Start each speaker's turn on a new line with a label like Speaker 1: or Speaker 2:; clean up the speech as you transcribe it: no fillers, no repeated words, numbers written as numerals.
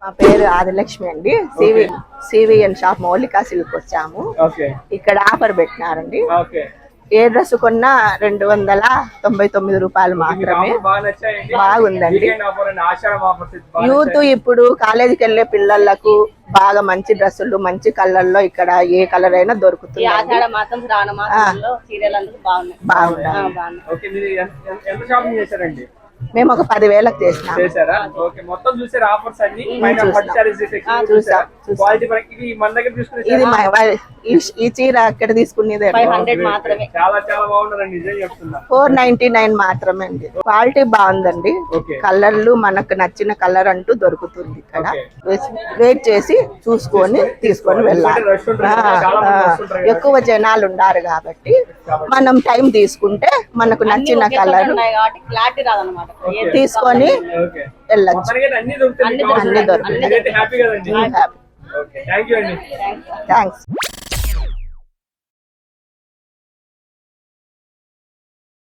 Speaker 1: మా పేరు ఆదిలక్ష్మి అండి. సివిఎన్ షాప్ మౌలికా సిల్క్ వచ్చాము. ఇక్కడ ఆఫర్ పెట్టినారండి. ఏ డ్రెస్ కొన్నా 299 రూపాయలు మాత్రమే. బాగుందండి. యూత్ ఇప్పుడు కాలేజీకి వెళ్ళే పిల్లలకు బాగా మంచి డ్రెస్సులు మంచి కలర్లో ఇక్కడ ఏ కలర్ అయినా దొరుకుతుంది. బాగుంది. మేము ఒక 10,000కి చేసినాం. ఇది ఈ చీర అక్కడ తీసుకునేది 499 మాత్రమే అండి. క్వాలిటీ బాగుందండి. కలర్లు మనకు నచ్చిన కలర్ అంటూ దొరుకుతుంది ఇక్కడ. వెయిట్ చేసి చూసుకొని తీసుకొని వెళ్ళాలి. ఎక్కువ జనాలు ఉన్నారు కాబట్టి మనం టైం తీసుకుంటే మనకు నచ్చిన కలర్ తీసుకొని వెళ్ళచ్చు. అన్ని దొరుకుతాయి. థ్యాంక్స్.